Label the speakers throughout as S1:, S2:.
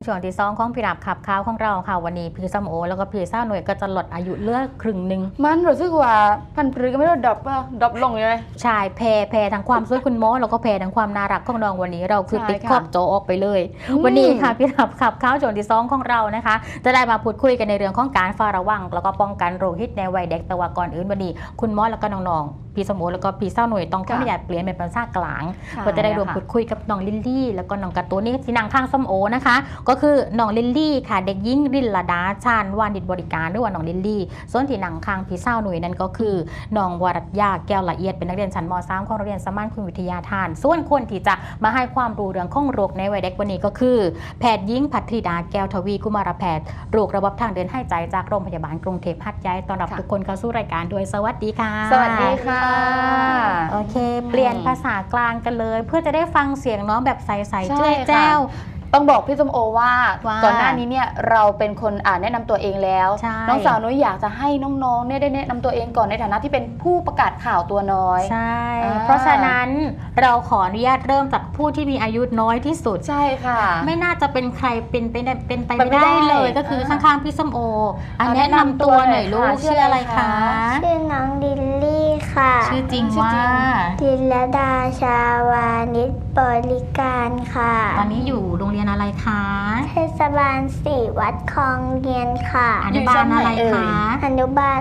S1: ช่วงที่2ของพี่ดับขับข่าวของเราค่ะวันนี้พี่ส้มโอแล้วก็พี่เศร้าหน่วยก็จะลดอายุเลือกครึ่งหนึ่ง
S2: มันรู้สึกว่าพันปรือก็ไม่ได้ดรอปลงเลย
S1: ใช่แพ้ทั้งความสวยคุณหมอแล้วก็แพ้ทั้งความน่ารักของน้องวันนี้เราคือติดขอบโจออกไปเลยวันนี้ค่ะพี่ดับขับข่าวช่วงที่2ของเรานะคะจะได้มาพูดคุยกันในเรื่องของการเฝ้าระวังแล้วก็ป้องกันโรคฮิตในวัยเด็กแต่ว่าก่อนอื่นวันนี้คุณหมอแล้วก็น้องๆพี่สมโอแล้วก็พี่เศร้าหน่วยต้องขออนุญาตเปลี่ยนเป็นภาษากลางเพื่อจะได้รวมพูดคุยกับน้องลิลลี่แล้วก็น้องการ์ตูนนี่ที่นางข้างส้มโอนะคะก็คือน้องลิลลี่ค่ะเด็กหญิงริลดาชาญวานิชบริการหรือว่าน้องลิลลี่ส่วนที่นางข้างพี่เศร้าหน่วยนั่นก็คือน้องวรัตยาแก้วละเอียดเป็นนักเรียนชั้นม.3 ของโรงเรียนสมานคุณวิทยาทานส่วนคนที่จะมาให้ความรู้เรื่องของโรคในวัยเด็กวันนี้ก็คือแพทย์หญิงภัทริดาแก้วทวีกุมารแพทย์โรคระบบทางเดินหายใจจากโรงพยาบาลกรุงเทพหัดใหญ่ต้อนรับทุกคนเข้าสู่รายการด้วยสวัสดีค่ะ
S2: สวัสดีค่ะ
S1: โอเคเปลี่ยนภาษากลางกันเลยเพื่อจะได้ฟังเสียงน้องแบบใสๆเจ้ยแจ้ว
S2: ต้องบอกพี่ส้มโอว่าก่อนหน้านี้เนี่ยเราเป็นคนแนะนำตัวเองแล้วน้องสาวนุ้ยอยากจะให้น้องๆเนี่ยได้แนะนำตัวเองก่อนในฐานะที่เป็นผู้ประกาศข่าวตัวน้อย
S1: ใช่เพราะฉะนั้นเราขออนุญาตเริ่มจากผู้ที่มีอายุน้อยที่สุด
S2: ใช่ค่ะ
S1: ไม่น่าจะเป็นใครเป็นไปไม่ได้เลยก็คือข้างๆพี่ส้มโอแนะนำตัวหน่อยลูกชื่ออะไรคะ
S3: ชื่อน้องดิลลี่ค่ะ
S1: ชื่อจริงว่า
S3: ดิลดาชาวานิชบริการค่ะ
S1: ตอนนี้อยู่โรงเรียนอะไรคะ
S3: เทศบาล4วัดคลองเรียนค่ะ
S1: อนุบาลอะไรคะ
S3: อนุบาล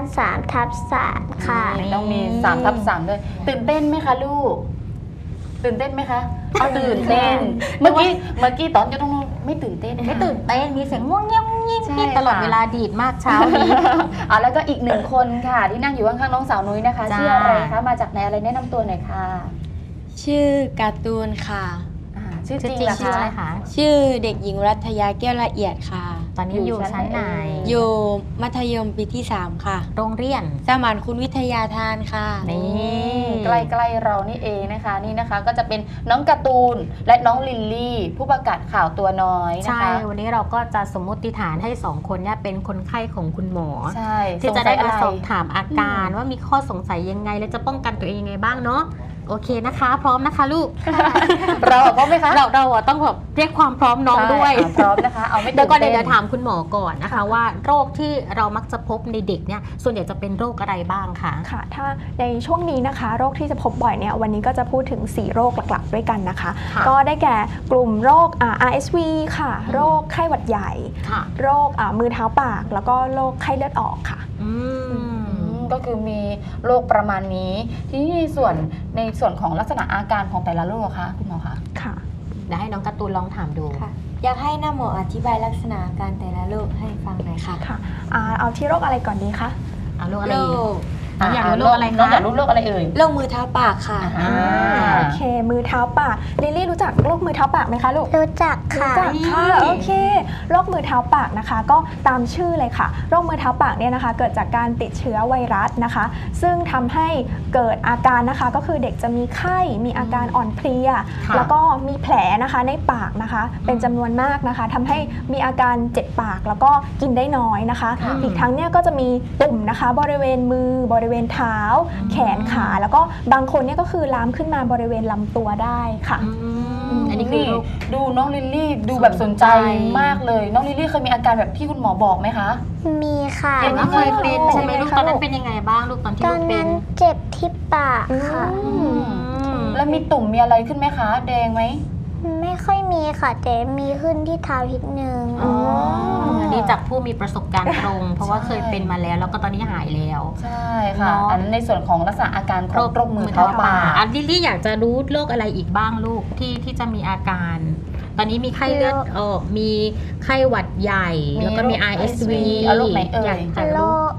S3: 3/3ค่ะ
S2: ต้องมี3/3ด้วยตื่นเต้นไหมคะลูกตื่นเต้นไหมคะตื่นเต้นเมื่อกี้ตอนอยู่ตรงนู้นไม่ตื่นเต้น
S1: มีเสียงง่วงเงี้ยตลอดเวลาดีดมากเช้านี้
S2: แล้วก็อีก1คนค่ะที่นั่งอยู่ข้างๆน้องสาวนุ้ยนะคะชื่ออะไรคะมาจากไหนอะไรแนะนำตัวหน่อยค่ะ
S4: ชื่อการ์ตูนค่ะ
S1: ชื่อจริงชื่ออะไรคะ
S4: ชื่อเด็กหญิงรัตยาแก้วละเอียดค่ะ
S1: ตอนนี้อยู่ชั้นไหน
S4: อยู่มัธยมปีที่3ค่ะ
S1: โรงเรียน
S4: สมานคุณวิทยาทานค่ะ
S2: นี่ใกล้ๆเรานี่เองนะคะนี่นะคะก็จะเป็นน้องการ์ตูนและน้องลิลลี่ผู้ประกาศข่าวตัวน้อยนะคะ
S1: ใช่วันนี้เราก็จะสมมติฐานให้2คนเนี่ยเป็นคนไข้ของคุณหมอ
S2: ใช่
S1: ที่จะได้มาสอบถามอาการว่ามีข้อสงสัยยังไงและจะป้องกันตัวเองยังไงบ้างเนาะโอเคนะคะพร้อมนะคะลูก
S2: เราพร้อมไหมคะ
S1: เราต้องแบบเรียกความพร้อมน้องด้วย
S2: พร้อมนะคะเอาไม่
S1: เดี๋ยวก่อนเดี๋ยวถามคุณหมอก่อนนะคะว่าโรคที่เรามักจะพบในเด็กเนี่ยส่วนใหญ่จะเป็นโรคอะไรบ้างคะ
S5: ค่ะถ้าในช่วงนี้นะคะโรคที่จะพบบ่อยเนี่ยวันนี้ก็จะพูดถึง4โรคหลักๆด้วยกันนะคะก็ได้แก่กลุ่มโรค RSV ค่ะโรคไข้หวัดใหญ่โรคมือเท้าปากแล้วก็โรคไข้เลือดออกค่ะ
S2: ก็คือมีโรคประมาณนี้ที่ในส่วนของลักษณะอาการของแต่ละโรคคะคุณหมอคะ
S5: ค่ะ
S1: เดี๋ยวให้น้องการ์ตูนลองถามดู
S4: ค่ะอยากให้น้าหมออธิบายลักษณะอาการแต่ละโรคให้ฟังหน่อยค่ะ
S5: ค่ะเอาที่โรคอะไรก่อนดีคะ
S1: โรคอะไรอยากรู้โรคอะไรคะ
S2: น้องอยากรู้โรคอะไรเอ่ย
S4: โรคมือเท้าปากค่ะ
S5: โอเคมือเท้าปากลิลลี่รู้จักโรคมือเท้าปากไหมคะลูก
S3: รู้จักค่ะ
S5: โอเคโรคมือเท้าปากนะคะก็ตามชื่อเลยค่ะโรคมือเท้าปากเนี่ยนะคะเกิดจากการติดเชื้อไวรัสนะคะซึ่งทำให้เกิดอาการนะคะก็คือเด็กจะมีไข้มีอาการอ่อนเพลียแล้วก็มีแผลนะคะในปากนะคะเป็นจำนวนมากนะคะทำให้มีอาการเจ็บปากแล้วก็กินได้น้อยนะคะอีกทั้งเนี่ยก็จะมีตุ่มนะคะบริเวณมือบริเวณเท้าแขนขาแล้วก็บางคนเนี่ยก็คือลามขึ้นมาบริเวณลำตัวได้ค่ะ
S2: อันนี้คือดูน้องลิลลี่ดูแบบสนใจมากเลยน้องลิลลี่เคยมีอาการแบบที่คุณหมอบอกไหมคะ
S3: มีค่ะ
S1: เคยเป็นใช่ไหมลูกตอนนั้นเป็นยังไงบ้างลูกตอนที่ลูกเป็น
S3: ตอนนั้นเจ็บที่ปากค่ะ
S2: แล้วมีตุ่มมีอะไรขึ้นไหมคะแดงไหม
S3: ไม่ค่อยมีค่ะแต่มีขึ้นที่เท้านิดนึง
S1: อันนี้จากผู้มีประสบการณ์ตรงเพราะว่าเคยเป็นมาแล้วก็ตอนนี้หายแล้ว
S2: ใช่ค่ะอันนั้นในส่วนของลักษณะอาการของโรคมือเท้าปาก
S1: ลิลลี่อยากจะรู้โรคอะไรอีกบ้างลูกที่จะมีอาการตอนนี้มีไข้เลือดออกมีไข้หวัดใหญ่แล้วก็มี RSV
S2: โรคไหนเอ่ย
S3: โรค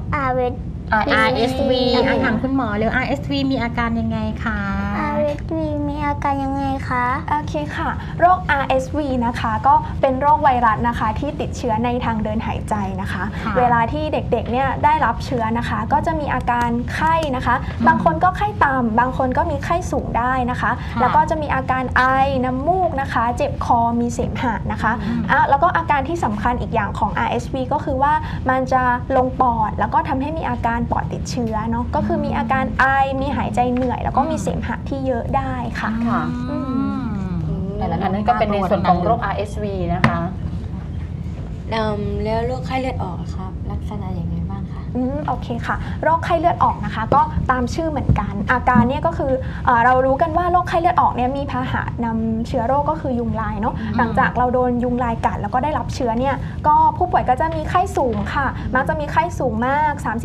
S1: RSV ถามคุณหมอเลย RSV มีอาการยังไงคะ
S3: RSV มีอาการยังไงคะ
S5: โอเคค่ะโรค RSV นะคะก็เป็นโรคไวรัสนะคะที่ติดเชื้อในทางเดินหายใจนะคะเวลาที่เด็กๆเนี่ยได้รับเชื้อนะคะก็จะมีอาการไข้นะคะบางคนก็ไข้ต่ำบางคนก็มีไข้สูงได้นะคะแล้วก็จะมีอาการไอน้ำมูกนะคะเจ็บคอมีเสมหะนะคะแล้วก็อาการที่สำคัญอีกอย่างของ RSV ก็คือว่ามันจะลงปอดแล้วก็ทำให้มีอาการปอดติดเชื้อเนาะก็คือมีอาการไอมีหายใจเหนื่อยแล้วก็มีเสมหะที่เยอะได้ค่ะ
S2: แต่ละนั้นก็เป็นในส่วนของโรค RSV นะคะ
S4: แล้วโรคไข้เลือดออกอะครับลักษณะอย่างไรบ้างคะ
S5: โอเคค่ะโรคไข้เลือดออกนะคะก็ตามชื่อเหมือนกันอาการเนี่ยก็คือเรารู้กันว่าโรคไข้เลือดออกเนี่ยมีพาหะนำเชื้อโรคก็คือยุงลายเนาะหลังจากเราโดนยุงลายกัดแล้วก็ได้รับเชื้อเนี่ยก็ผู้ป่วยก็จะมีไข้สูงค่ะมักจะมีไข้สูงมาก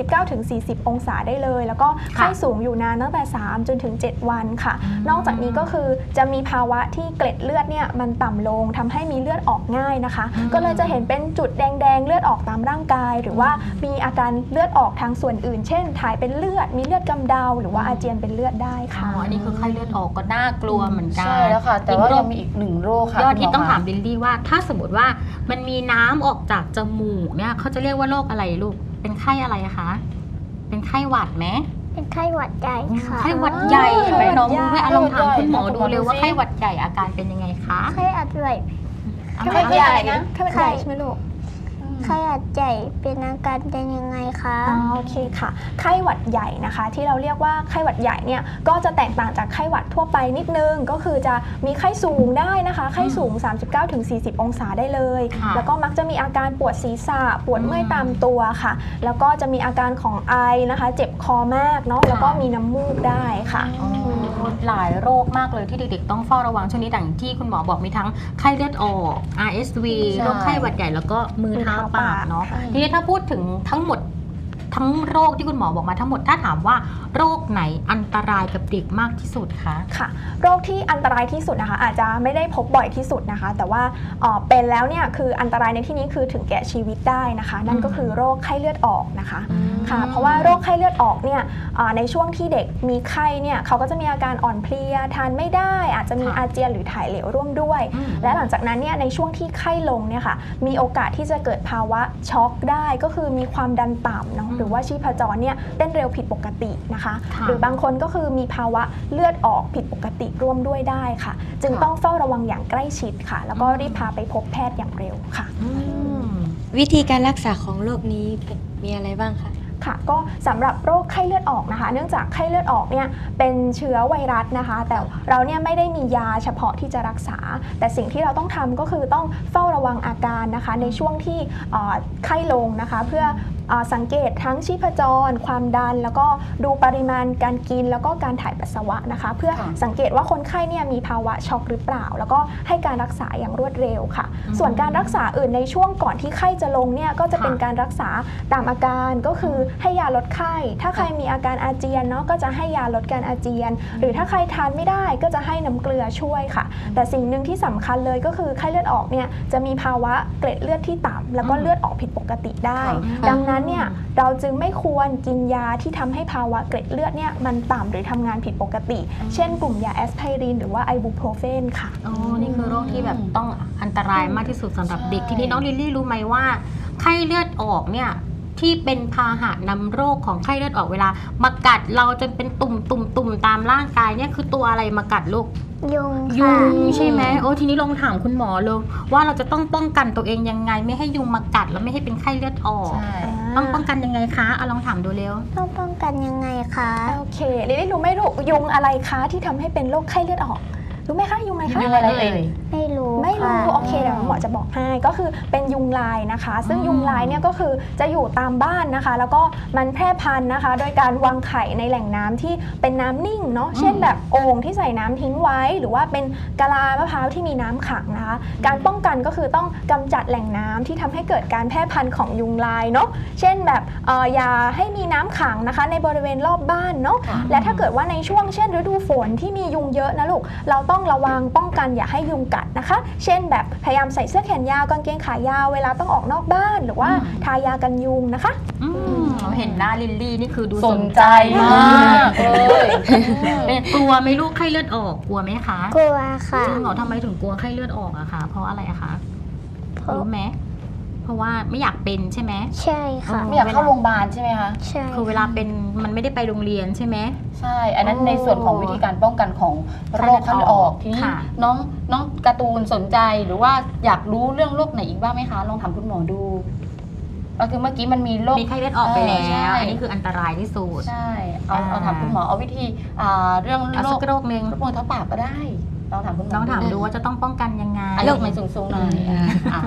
S5: 39-40 องศาได้เลยแล้วก็ไข้สูงอยู่นานตั้งแต่3จนถึง7วันค่ะนอกจากนี้ก็คือจะมีภาวะที่เกล็ดเลือดเนี่ยมันต่ำลงทำให้มีเลือดออกง่ายนะคะก็เลยจะเห็นเป็นจุดแดงๆเลือดออกตามร่างกายหรือว่ามีอาการเลือดออกทางส่วนอื่นเช่นถ่ายเป็นเลือดมีเลือดกำเดาหรือว่าอาเจียนเป็นเลือดได้ค่ะ
S1: อันนี้คือไข้เลือดออกก็น่ากลัวเหมือนกัน
S2: ใช่แล้วค่ะแต่ว่ายังมีอีกหนึ่งโรคค่ะ
S1: ยอดที่ต้องถามลิลลี่ว่าถ้าสมมติว่ามันมีน้ำออกจากจมูกเนี่ยเขาจะเรียกว่าโรคอะไรลูกเป็นไข้อะไรคะเป็นไข้หวัดไหม
S3: เป็นไข้หวัดใหญ่ค่ะ
S1: ไข้หวัดใหญ่ใช่ไหมน้องรู้ไหมลองถามคุณหมอดูเลยว่าไข้หวัดใหญ่อาการเป็นยังไงคะ
S3: ไข้หวัดใหญ่
S5: ไข้หวัดใหญ่นะไข้หวัดใหญ่ใช่ไหมลูก
S3: ไข้หวัดใหญ่เป็นอาการเป็นยังไงคะ
S5: โอเคค่ะไข้หวัดใหญ่นะคะที่เราเรียกว่าไข้หวัดใหญ่เนี่ยก็จะแตกต่างจากไข้หวัดทั่วไปนิดนึงก็คือจะมีไข้สูงได้นะคะไข้สูง 39-40 องศาได้เลยแล้วก็มักจะมีอาการปวดศีรษะปวดเมื่อยตามตัวค่ะแล้วก็จะมีอาการของไอนะคะเจ็บคอมากเนาะแล้วก็มีน้ำมูกได้ค่ะ
S1: หลายโรคมากเลยที่เด็กๆต้องเฝ้าระวังช่วงนี้ดังที่คุณหมอบอกมีทั้งไข้เลือดออก RSV โรคไข้หวัดใหญ่แล้วก็มือเท้าปากเนาะทีนี้ถ้าพูดถึงทั้งหมดทั้งโรคที่คุณหมอบอกมาทั้งหมดถ้าถามว่าโรคไหนอันตรายกับเด็กมากที่สุดคะ
S5: ค่ะโรคที่อันตรายที่สุดนะคะอาจจะไม่ได้พบบ่อยที่สุดนะคะแต่ว่าเป็นแล้วเนี่ยคืออันตรายในที่นี้คือถึงแก่ชีวิตได้นะคะนั่นก็คือโรคไข้เลือดออกนะคะค่ะเพราะว่าโรคไข้เลือดออกเนี่ยในช่วงที่เด็กมีไข้เนี่ยเขาก็จะมีอาการอ่อนเพลียทานไม่ได้อาจจะมีอาเจียนหรือถ่ายเหลวร่วมด้วยและหลังจากนั้นเนี่ยในช่วงที่ไข้ลงเนี่ยค่ะมีโอกาสที่จะเกิดภาวะช็อกได้ก็คือมีความดันต่ำเนาะหรือว่าชีพจรเนี่ยเต้นเร็วผิดปกตินะคะหรือบางคนก็คือมีภาวะเลือดออกผิดปกติร่วมด้วยได้ค่ะจึงต้องเฝ้าระวังอย่างใกล้ชิดค่ะแล้วก็รีบพาไปพบแพทย์อย่างเร็วค่ะ
S4: วิธีการรักษาของโรคนี้มีอะไรบ้างคะ
S5: ค่ะก็สำหรับโรคไข้เลือดออกนะคะเนื่องจากไข้เลือดออกเนี่ยเป็นเชื้อไวรัสนะคะแต่เราเนี่ยไม่ได้มียาเฉพาะที่จะรักษาแต่สิ่งที่เราต้องทำก็คือต้องเฝ้าระวังอาการนะคะในช่วงที่ไข้ลงนะคะเพื่อสังเกตทั้งชีพจรความดันแล้วก็ดูปริมาณการกินแล้วก็การถ่ายปัสสาวะนะคะเพื่อสังเกตว่าคนไข้เนี่ยมีภาวะช็อกหรือเปล่าแล้วก็ให้การรักษาอย่างรวดเร็วค่ะส่วนการรักษาอื่นในช่วงก่อนที่ไข้จะลงเนี่ยก็จะเป็นการรักษาตามอาการก็คือให้ยาลดไข้ถ้าใครมีอาการอาเจียนเนาะก็จะให้ยาลดการอาเจียนหรือถ้าใครทานไม่ได้ก็จะให้น้ำเกลือช่วยค่ะแต่สิ่งหนึ่งที่สำคัญเลยก็คือไข้เลือดออกเนี่ยจะมีภาวะเกล็ดเลือดที่ต่ำแล้วก็เลือดออกผิดปกติได้ดังนั้นเนี่ยเราจึงไม่ควรกินยาที่ทำให้ภาวะเกล็ดเลือดเนี่ยมันต่ำหรือทำงานผิดปกติเช่นกลุ่มยาแอสไพรินหรือว่าไอบูโพรเฟนค่ะ
S1: นี่คือโรคที่แบบต้องอันตรายมากที่สุดสำหรับเด็กทีนี้น้องลิลลี่รู้ไหมว่าไข้เลือดออกเนี่ยที่เป็นพาหะนำโรคของไข้เลือดออกเวลามากัดเราจนเป็นตุ่มตามร่างกายเนี่ยคือตัวอะไรมากัดลูก
S3: ยุง
S1: ใช่ไหมทีนี้ลองถามคุณหมอเลยว่าเราจะต้องป้องกันตัวเองยังไงไม่ให้ยุงมากัดแล้วไม่ให้เป็นไข้เลือดออกต้องป้องกันยังไงคะลองถามดูเร็ว
S3: ต้องป้องกันยังไงคะ
S5: โอเคลิลลี่รู้ไหมลูกยุงอะไรคะที่ทำให้เป็นโรคไข้เลือดออกรู้ไหมคะยุงอะไรคะ
S1: ยุงอะไรเอ่ย
S3: ไม่รู้
S5: โอเคเดี๋ยวหมอจะบอกให้ก็คือเป็นยุงลายนะคะซึ่งยุงลายเนี่ยก็คือจะอยู่ตามบ้านนะคะแล้วก็มันแพร่พันธุ์นะคะโดยการวางไข่ในแหล่งน้ำที่เป็นน้ำนิ่งเนาะเช่นแบบโอ่งที่ใส่น้ำทิ้งไว้หรือว่าเป็นกะลามะพร้าวที่มีน้ำขังนะคะการป้องกันก็คือต้องกำจัดแหล่งน้ำที่ทำให้เกิดการแพร่พันธุ์ของยุงลายเนาะเช่นแบบอย่าให้มีน้ำขังนะคะในบริเวณรอบบ้านเนาะและถ้าเกิดว่าในช่วงเช่นฤดูฝนที่มียุงเยอะนะลูกเราต้องระวังป้องกันอย่าให้ยุงกัดนะคะเช่นแบบพยายามใส่เสื้อแขนยาวกางเกงขายาวเวลาต้องออกนอกบ้านหรือว่าทายากันยุงนะคะ
S1: เห็นหน้าลิลลี่นี่คือดู
S2: สนใจมากเลย
S1: เป็นกลัวไหมลูกไข้เลือดออกกลัวไหมคะ
S3: กลัวค่ะ
S1: จริงเหรอทำไมถึงกลัวไข้เลือดออกอะคะเพราะอะไรอะคะรู้ไหมเพราะว่าไม่อยากเป็นใช่ไหม
S3: ใช่ค่ะ
S2: ไม่อยากเข้าโรงพยาบาลใช่ไหมคะ
S3: ใช่
S1: คือเวลาเป็นมันไม่ได้ไปโรงเรียนใช่ไหม
S2: ใช่อันนั้นในส่วนของวิธีการป้องกันของโรคไข้เลือดออกทีนี้น้องการ์ตูนสนใจหรือว่าอยากรู้เรื่องโรคไหนอีกบ้างไหมคะลองถามคุณหมอดูก็คือเมื่อกี้มันมีโรค
S1: มีไข้เลือดออกไปแล้วอันนี้คืออันตรายที่สุด
S2: ใช่เอาถามคุณหมอเอาวิธีเรื่องโรค
S1: นึง
S2: โรคมือเท้าปากก็ได้ลองถามคุณหมอ
S1: ลองถามดูว่าจะต้องป้องกันยังไง
S2: โรคมันสูงๆหน่อย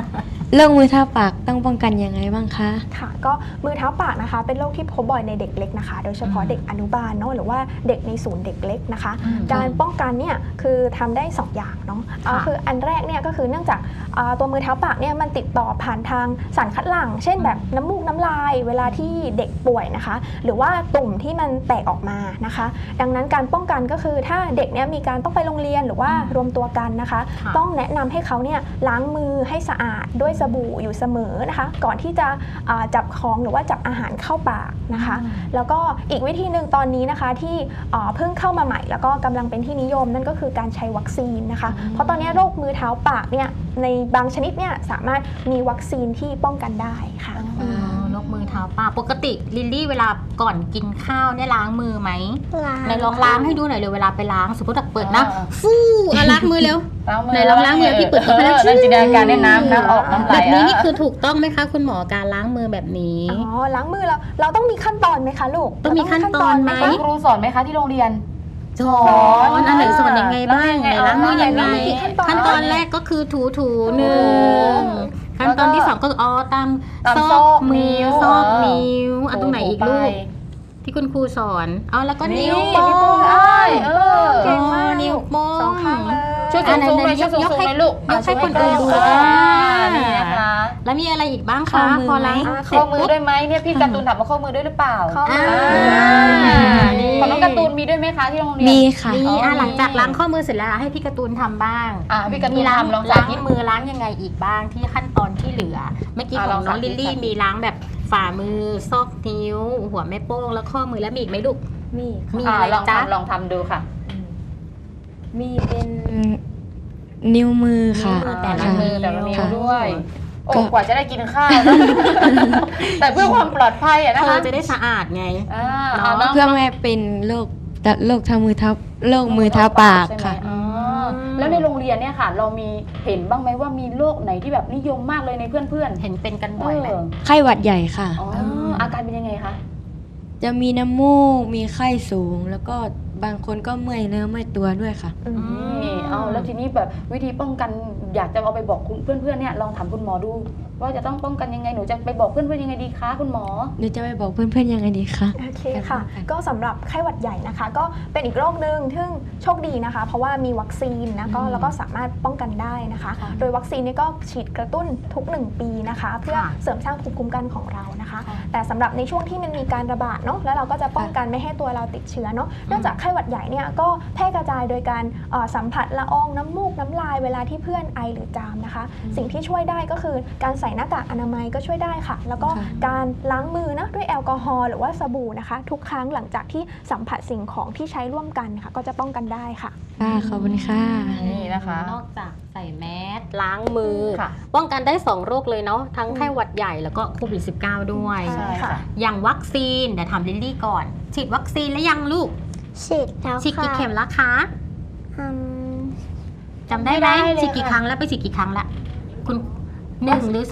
S4: โรคมือเท้าปากต้องป้องกันยังไงบ้างคะ
S5: ค่ะก็มือเท้าปากนะคะเป็นโรคที่พบบ่อยในเด็กเล็กนะคะ โดยเฉพาะเด็กอนุบาลเนาะหรือว่าเด็กในศูนย์เด็กเล็กนะคะ การป้องกันเนี่ยคือทำได้2อย่างเนาะคืออันแรกเนี่ยก็คือเนื่องจากตัวมือเท้าปากเนี่ยมันติดต่อผ่านทางสารคัดหลั่งเช่นแบบน้ำมูกน้ำลายเวลาที่เด็กป่วยนะคะ หรือว่าตุ่มที่มันแตกออกมานะคะ ดังนั้นการป้องกันก็คือถ้าเด็กเนี่ยมีการต้องไปโรงเรียนหรือว่ารวมตัวกันนะคะ ต้องแนะนำให้เขาเนี่ยล้างมือให้สะอาดด้วยสบู่อยู่เสมอนะคะก่อนที่จะจับของหรือว่าจับอาหารเข้าปากนะคะ แล้วก็อีกวิธีหนึ่งตอนนี้นะคะที่เพิ่งเข้ามาใหม่แล้วก็กำลังเป็นที่นิยมนั่นก็คือการใช้วัคซีนนะคะ เพราะตอนนี้โรคมือเท้าปากเนี่ยในบางชนิดเนี่ยสามารถมีวัคซีนที่ป้องกันได้ค่ะ
S1: โรคมือเท้าปากปกติลิลลี่เวลาก่อนกินข้าวเนี่ยล้างมือไหม ไหนลองล้างให้ดูหน่อยเลยเวลาไปล้างสมมติเปิดนะฟู่ล้างมือเร็วไหนลองล้างมือพี่เปิดเข้าไปแล้ว
S2: นั่นจินตนาการเนี่ยน้ำออกน้ำไหล
S1: แบบนี้นี่คือถูกต้องไหมคะคุณหมอการล้างมือแบบนี้
S5: อ๋อล้างมือเราต้องมีขั้นตอนไหมคะลูก
S1: ต้องมีขั้นตอนไหม
S2: ครูสอนไหมคะที่โรงเรียน
S1: สอนอันไหนสอนยังไงบ้างไหนล้างมือยังไง ขั้นตอนแรกก็คือถูหนึ่งขั้นตอนที่สองก็ตามซอกมือซอกนิ้วตรงไหนอีกลูกที่คุณครูสอนแล้วก็นิ้วโป้ง
S5: เก่งมาก
S1: นิ้วโป้ง
S5: สองข้างเลย
S2: ช่วยสูงๆหน่อยช่วยสูงๆหน่อยลูก
S1: ยกให้คนอื่นดู
S2: นี่นะคะ
S1: แล้วมีอะไรอีกบ้างคะพอล้างเสร็
S2: ข้
S1: จ
S2: อมือ
S1: ปุ๊บ
S2: ด้วยไหมเนี่ยพี่การ์ตูนถามว่าข้อมือด้วยหรือเปล่า
S5: ข้อมือ
S2: ของน้องการ์ตูนมีด้วยไหมคะที่โรงเรียน
S4: มีค่ะ
S1: มีหลังจากล้างข้อมือเสร็จแล้วให้พี่การ์ตูนทำบ้าง
S2: พี่การ์ตู
S1: มี
S2: น
S1: ล้าง
S2: ทำลอง
S1: ล้า
S2: สาง ธิต
S1: มือล้างยังไงอีกบ้างที่ขั้นตอนที่เหลือเมื่อกี้ของน้องลิลลี่มีล้างแบบฝ่ามือซอกนิ้ว หัวแม่โป้งแล้วข้อมือแล้วมีอีกไหมลูก
S4: มี
S1: มีอะไร
S2: ลอง
S1: จ๊ะ
S2: ทำลองทำดูค่ะ
S4: มีเป็นนิ้วมือค่ะ
S1: แต่ละ
S4: ค่ะ
S2: มือแต่ละนิ้วด้วย โอ้
S4: ก็
S2: กว่าจะได้กินข้าวนะ แต่เพื่อความปลอดภัยอะนะ
S1: เธ
S2: คะ
S1: อจะได้สะอาดไง
S2: น้อง
S4: เพื่อไม่ให้เป็นโรคทางมือเท้าโรคมือเท้าปากค่ะ
S2: ใช่ไหมแล้วในโรงเรียนเนี่ยค่ะ เรามีเห็นบ้างไหมว่ามีโรคไหนที่แบบนิยมมากเลยในเพื่อนๆ
S1: เห็นเป็นกันบ่อยไหม
S4: ไข้หวัดใหญ่ค่ะ
S2: อาการเป็นยังไงคะ
S4: จะมีน้ำมูก มีไข้สูง แล้วก็บางคนก็เมื่อยเนื้อเมื่อยตัวด้วยค่ะ
S2: แล้วทีนี้แบบวิธีป้องกันอยากจะเอาไปบอกคุณเพื่อนๆเนี่ยลองถามคุณหมอดู ว่าจะต้องป้องกันยังไงหนูจะไปบอกเพื่อนๆยังไงดีคะคุณหมอ
S4: หนูจะไปบอกเพื่อนๆยังไงดีคะ
S5: โอเคค่ะ ก็สำหรับไข้หวัดใหญ่นะคะ ก็เป็นอีกโรคหนึ่งซึ่งโชคดีนะคะ เพราะว่ามีวัคซีนนะก็แล้วก็สามารถป้องกันได้นะคะ โดยวัคซีนนี้ก็ฉีดกระตุ้นทุก1 ปีนะคะ เพื่อเสริมสร้างภูมิคุ้มกันของเรานะคะ แต่สำหรับในช่วงที่มันมีการระบาดเนาะแล้วเราก็จะป้องกันไม่ให้ตัวเราติดเชื้อเนาะเนื่องจากไข้หวัดใหญ่เนี่ยก็แพร่กระจายโดยการสัมผัสละอองน้ำมูกน้ำลายเวลาที่เพื่อนไอหรือจามนะคะ สิ่งที่ช่วยได้ก็คือการใส่หน้ากากอนามัยก็ช่วยได้ค่ะ แล้วก็การล้างมือนะด้วยแอลกอฮอล์หรือว่าสบู่นะคะ ทุกครั้งหลังจากที่สัมผัสสิ่งของที่ใช้ร่วมกันค่ะก็จะป้องกันได้ค่ะ
S4: ขอบคุณค่ะ
S2: นี่นะคะ
S1: นอกจากใส่แมสล้างมือ
S2: ค่ะ
S1: ป้องกันได้2โรคเลยเนาะทั้งไข้หวัดใหญ่แล้วก็โควิด -19 ด้วย
S2: ใช่ค่ะ
S1: อย่างวัคซีนเดี๋ยวถามลิลลี่ก่อน ฉีดวัคซีนแล้วยังลูก
S3: ฉีดแล้ว
S1: ฉีดกี่
S3: ค่ะ
S1: เข็มแล้วคะ
S3: อืม
S1: จำได้ไหม
S2: ไม่ได้เลย
S1: ฉีดกี่
S2: ค่ะ
S1: ครั้งแล้วไปฉีดกี่ครั้งละคุณ1 หรือ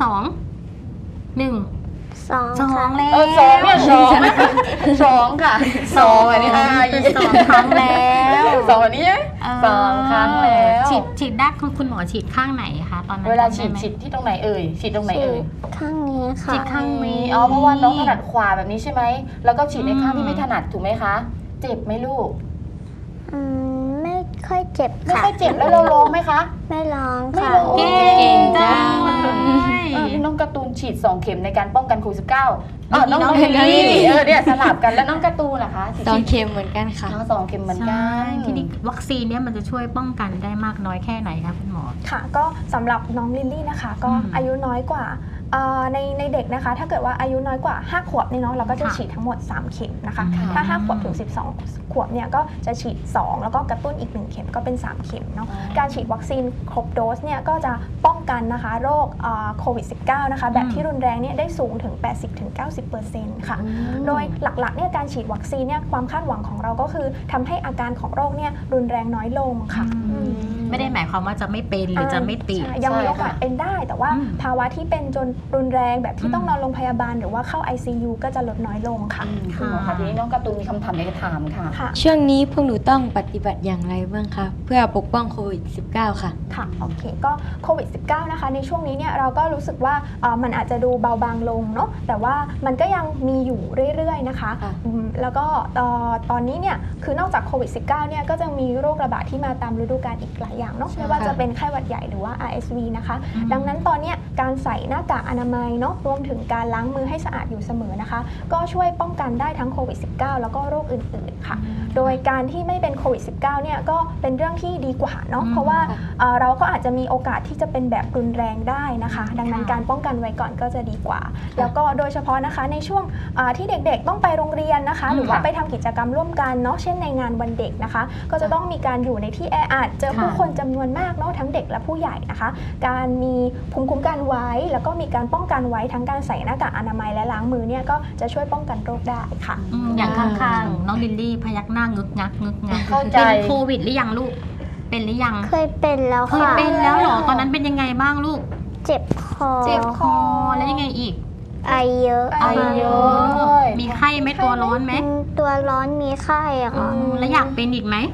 S1: 2 1
S3: 2
S1: 2
S3: ค่ะ
S1: แล้ว
S2: สองเนี่ยสองค่ะสองอันนี้
S1: เป็น2 ครั้งแล้ว
S2: สองอันนี้สองครั้งแล้ว
S1: ฉีดด้านคุณหมอฉีดข้างไหนคะตอนนั้น
S2: เวลา
S1: จำ
S2: ฉี
S1: ไไห
S2: ด
S1: ม
S2: ฉีดที่ตรงไหนเอ่ยฉีดตรงไหนเอ่ย
S3: ข้างนี้ค่ะ
S1: ฉีดข้างนี้
S2: เพราะว่าน้องถนัดขวาแบบนี้ใช่ไหมแล้วก็ฉีดในข้างที่ไม่ถนัดถูกไหมคะ เจ็บไหมลูก
S3: ไม่ค่อยเจ็บ
S2: ไม่
S3: ค่ะ
S2: ค่อยเจ็บแล้วเราร้องไหมคะ
S3: ไม่ร้อง
S2: ไม่
S3: ค่ะ
S2: ร้อง
S1: เก่งจังเลย
S2: นี่น้องการ์ตูนฉีด2 เข็มในการป้องกันโควิด -19 น้อง
S1: น้อง
S2: เฮนรี่
S1: เฮนรี่
S2: เนี่ยสลับกันแล้วน้องการ์ตูนล่ะคะ
S4: 2 เข็มเหมือนกันค่ะ
S2: น้อง2 เข็มเหมือนกั
S1: ใช่
S2: น
S1: ทีนี้วัคซีนเนี่ยมันจะช่วยป้องกันได้มากน้อยแค่ไหนคะคุณหมอ
S5: ค่ะก็สำหรับน้องลิลลี่นะคะก็อายุน้อยกว่าในเด็กนะคะถ้าเกิดว่าอายุน้อยกว่า5 ขวบเนี่ยเนาะเราก็จะ
S1: ค่ะ
S5: ฉีดทั้งหมด3 เข็มนะคะ
S1: ค่ะ
S5: ถ้า5 ขวบถึง12 ขวบเนี่ยก็จะฉีด2แล้วก็กระตุ้นอีก1 เข็มก็เป็น3 เข็มเนาะการฉีดวัคซีนครบโดสเนี่ยก็จะป้องกันนะคะโรคโควิด -19 นะคะแบบที่รุนแรงเนี่ยได้สูงถึง 80-90% ค่ะ โดยหลักๆเนี่ยการฉีดวัคซีนเนี่ยความคาดหวังของเราก็คือทำให้อาการของโรคเนี่ยรุนแรงน้อยลงค่ะ
S1: ในไม่ได้หมายความว่าจะไม่เป็นหรือจะไม่ติด
S5: ใช่ยังมีโอกาสเป็นได้ แต่ว่าภาวะที่เป็นจนรุนแรงแบบที่ต้องนอนโรงพยาบาลหรือว่าเข้า ICU ก็จะลดน้อยลงค่ะ
S2: คุณหมอคะทีนี้น้องการ์ตูนมีคำถามอยากจะถามค่ะ
S5: ค่ะ
S4: ช่วงนี้พวกหนูต้องปฏิบัติอย่างไรบ้างคะเพื่อปกป้องโควิด -19 ค่ะ
S5: ค่ะโอเคก็โควิด -19 นะคะในช่วงนี้เนี่ยเราก็รู้สึกว่ามันอาจจะดูเบาบางลงเนาะแต่ว่ามันก็ยังมีอยู่เรื่อยๆนะคะ
S4: ค่ะ
S5: แล้วก็ตอนนี้เนี่ยคือนอกจากโควิด -19 เนี่ยก็จะมีโรคระบาดที่มาตามฤดูกาลอีกหลายอย่างเนาะไม่ว่าจะเป็นไข้หวัดใหญ่หรือว่า RSV นะคะ ดังนั้นตอนเนี้ยการใส่หน้ากากอนามัยเนาะรวมถึงการล้างมือให้สะอาดอยู่เสมอนะคะก็ช่วยป้องกันได้ทั้งโควิด -19 แล้วก็โรคอื่นๆค่ะโดยการที่ไม่เป็นโควิด -19 เนี่ยก็เป็นเรื่องที่ดีกว่าเนาะเพราะว่าเราก็อาจจะมีโอกาสที่จะเป็นแบบรุนแรงได้นะคะ ดังนั้นการป้องกันไว้ก่อนก็จะดีกว่า แล้วก็โดยเฉพาะนะคะในช่วงที่เด็กๆต้องไปโรงเรียนนะคะหรือว่าไปทำกิจกรรมร่วมกันเนาะเช่นในงานวันเด็กนะคะก็จะต้องมีการอยู่ในที่แออัดเจอผู้คนจำนวนมากเนาะทั้งเด็กและผู้ใหญ่นะคะ การมีภูมิคุ้มกันไว้แล้วก็มีการป้องกันไว้ทั้งการใส่หน้ากากอนามัยและล้างมือเนี่ยก็จะช่วยป้องกันโรคได้ค่ะ
S1: อย่างข้างๆน้องลิลลี่พยักหน้างึกงักงึกงัก
S2: เข้าใจ
S1: เป็นโควิดหรือยังลูกเป็นหรือยัง
S3: เคยเป็นแล้ว
S1: เคย
S3: ค่ะ
S1: เป็นแล้วเหรอตอนนั้นเป็นยังไงบ้างลูก
S3: เจ็บคอ
S1: เจ็บคอแล้วยังไงอีก
S3: ไอเยอะ
S2: ไอเยอะ
S1: มีไข้ไหมตัวร้อนไหม
S3: ตัวร้อนมีไข้อะค่ะ
S1: แล้วอยากเป็นอีกไหม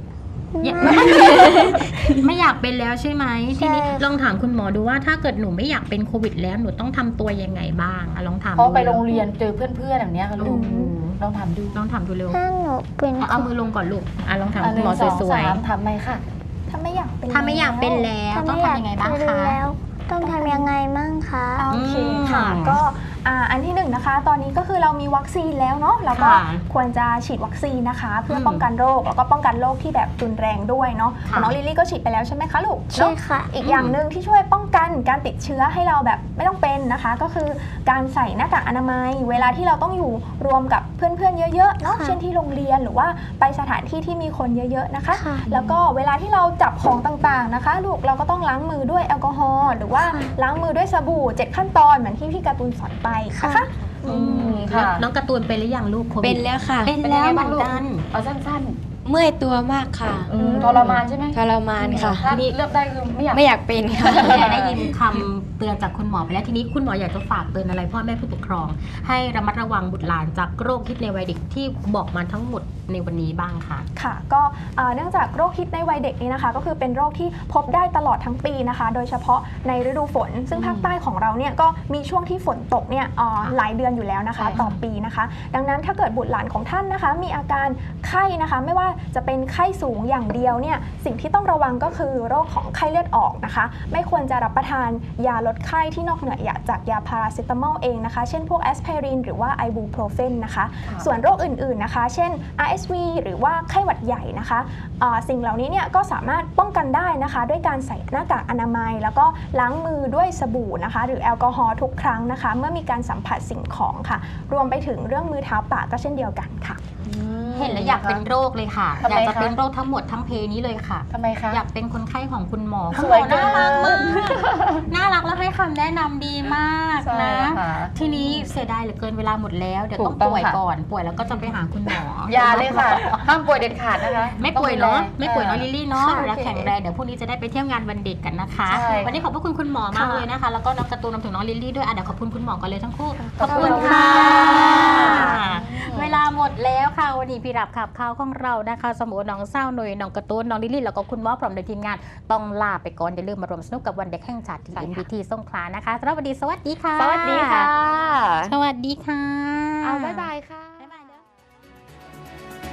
S1: ไม่อยากเป็นแล้วใช่ไหมทีนี้ลองถามคุณหมอดูว่าถ้าเกิดหนูไม่อยากเป็นโควิดแล้วหนูต้องทำตัวยังไงบ้างลองถาม
S2: เพราะไปโรงเรียนเจอเพื่อนๆอย่างเนี้ยค่ะลูกลองถามดู
S1: ลองถามดูเร็ว
S3: ถ้าหนูเป็น
S1: เอามือลงก่อนลูกลองถามคุณหมอ
S2: 1 2
S1: สวย
S2: 3ถามไหมค่ะ
S5: ถ้าไม่อยากเป็น
S1: ๆถ้าไม่อยากเป็นแล้วต้องทำยังไงบ้างคะ
S3: แล้วต้องทำยังไงมั่งคะ
S5: โอเคค่ะก็อันที่หนึ่งนะคะตอนนี้ก็คือเรามีวัคซีนแล้วเนาะเราก็
S1: ค่ะ
S5: ควรจะฉีดวัคซีนนะคะ เพื่อป้องกันโรคแล้วก็ป้องกันโรคที่แบบรุนแรงด้วยเนาะ
S1: ค่ะ
S5: น้องลิลลี่ก็ฉีดไปแล้วใช่ไหมคะลูก
S3: ใช่
S5: เนาะ
S3: ค่ะ
S5: อีกอย่างหนึ่งที่ช่วยป้องกันการติดเชื้อให้เราแบบไม่ต้องเป็นนะคะ ก็คือการใส่หน้ากากอนามัย เวลาที่เราต้องอยู่รวมกับเพื่อนๆเยอะๆเนาะ
S3: ค่ะ
S5: เช่นที่โรงเรียนหรือว่าไปสถานที่ที่มีคนเยอะๆนะคะ
S3: ค่ะ
S5: แล้วก็เวลาที่เราจับของต่างๆนะคะลูกเราก็ต้องล้างมือด้วยแอลกอฮอล์หรือว่าล้างมือด้วยสบู่7 ขั้นตอนเหมือนที่พี่การ์ตูนสอนไปนะคะ
S2: ค่ะ
S1: น้องการ์ตูนเป็นหรือยังลูกโควิด
S4: เป็นแล้วค่ะ
S1: เป็นแล้วเหมือนกัน
S2: เอาสั้น
S4: เมื่อยตัวมากค่ะ
S2: ๆทรมานใช่ไหม
S4: ทรมานค่ะ
S2: ถ้าเลือกได้คือไม่อยาก
S4: ไม่อยากเป็นค่ะ
S1: ได้ยินคำเตือนจากคุณหมอไปแล้วทีนี้คุณหมออยากจะฝากเตือนอะไรพ่อแม่ผู้ปกครอง ให้ระมัดระวังบุตรหลานจากโรคฮิตในวัยเด็กที่บอกมาทั้งหมดในวันนี้บ้างค่ะ
S5: ค่ะก็เนื่องจากโรคฮิตในวัยเด็กนี้นะคะก็คือเป็นโรคที่พบได้ตลอดทั้งปีนะคะ โดยเฉพาะในฤดูฝน ซึ่งภาคใต้ของเราเนี่ยก็มีช่วงที่ฝนตกเนี่ยหลายเดือนอยู่แล้วนะคะ
S2: ใช่ค่ะ
S5: ต่อปีนะคะ ดังนั้นถ้าเกิดบุตรหลานของท่านนะคะ มีอาการไข้นะคะ ไม่ว่าจะเป็นไข้สูงอย่างเดียวเนี่ยสิ่งที่ต้องระวังก็คือโรคของไข้เลือดออกนะคะ ไม่ควรจะรับประทานยาลดไข้ที่นอกเหนือจากยาพาราเซตามอลเองนะคะ เช่นพวกแอสไพรินหรือว่าไอบูโปรเฟนนะคะ ส่วนโรคอื่นๆนะคะ เช่น RSV หรือว่าไข้หวัดใหญ่นะคะสิ่งเหล่านี้เนี่ยก็สามารถป้องกันได้นะคะด้วยการใส่หน้ากากอนามัย แล้วก็ล้างมือด้วยสบู่นะคะหรือแอลกอฮอล์ทุกครั้งนะคะเมื่อมีการสัมผัสสิ่งของค่ะรวมไปถึงเรื่องมือเท้าปากก็เช่นเดียวกันค่ะ
S1: เห็นแล้วอยากเป็นโรคเลยค่ะ
S2: ทำ
S1: อ
S2: ไม
S1: ยากจะ
S2: คะ
S1: เป็นโรคทั้งหมดทั้งเพนี้เลยค่ะ
S2: ทำไมคะ
S1: อยากเป็นคนไข้ของคุณหมอ
S2: ส
S1: คุณห
S2: ว
S1: ม
S2: ย
S1: อ
S2: เกิ
S1: น่าน รักมากน่ารักแล้วให้คำแนะนำดีมาก
S2: ใช่
S1: นะ
S2: ค่ะ
S1: ทีนี้เสียดายเหลือเกินเวลาหมดแล้วเดี๋ยวต้อง
S2: ถูกต้อง
S1: ป่วย
S2: ค่ะ
S1: ก่อนป่วยแล้วก็จะไปหาคุณหมอ
S2: อย่าเลยค่ะ ห้ามป่วยเด็ดขาดนะคะ
S1: ไม่ป่วยเนาะ
S2: ต้องดูแล
S1: ไม่ป่วยเนาะลิลลี่เนาะ
S2: ค่ะ
S1: แล้วแข็งแรงเดี๋ยวพรุ่งนี้จะได้ไปเที่ยวงานวันเด็กกันนะคะ
S2: ใช่
S1: วันนี้ขอบพระคุณคุณหมอมากเลยนะคะ แล้วก็น้องการ์ตูนรวมถึงน้องลิลลี่ด้วยเดี๋ยวขอบคุณคุณหมอกันเลยทั้งคู่
S2: ขอบคุณค่ะ
S1: เวลาหมดแล้วค่ะวันนี้พี่รับขับข่าวของเรานะคะสมุนน้องเศร้าหน่วยน้องการ์ตูนน้องลิลลี่แล้วก็คุณหมอพร้อมโดยทีมงานต้องลาไปก่อนอย่าลืมมารวมสนุกกับวันเด็กแห่งชาติที่ MBT สงขลานะคะสำหรับวันนี้สวัสดีค่ะ
S2: สวัสดีค่ะ
S1: สวัสดีค่ะ
S2: เอาบ๊ายบายค่ะ